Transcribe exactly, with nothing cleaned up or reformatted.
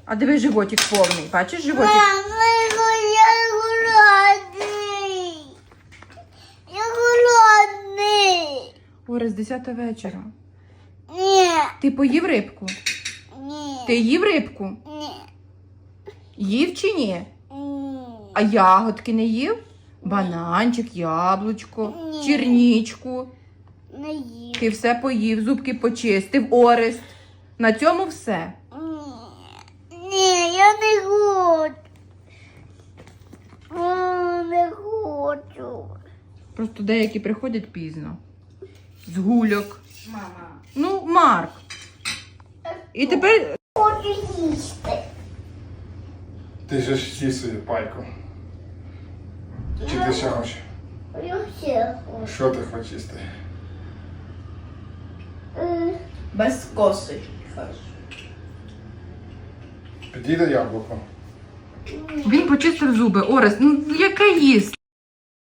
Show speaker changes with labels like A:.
A: А диви, животик повний. Бачиш животик?
B: Мама, я голодний. Я голодний.
A: Орест, десята вечора.
B: Ні,
A: Ти поїв рибку?
B: ні,
A: Ти їв рибку?
B: ні,
A: Їв чи ні?
B: ні.
A: А ягодки не їв? Бананчик, яблучко,
B: Ні.
A: чернічку.
B: Не їв.
A: Ти все поїв, зубки почистив, Орест. На цьому все.
B: Ні, ні, я не хочу. О, не хочу.
A: Просто деякі приходять пізно. З гульок.
B: Мама.
A: Ну, Марк. І тепер
B: Хочу їсти.
C: Ти ж з'їв свою пайку. Чи ти ще хочеш?
B: Я все хочу.
C: Що ти хочеш їсти?
B: Е,
D: Без коси.
C: Підійде яблуко.
A: він почистив зуби. Орест, ну яке їсть?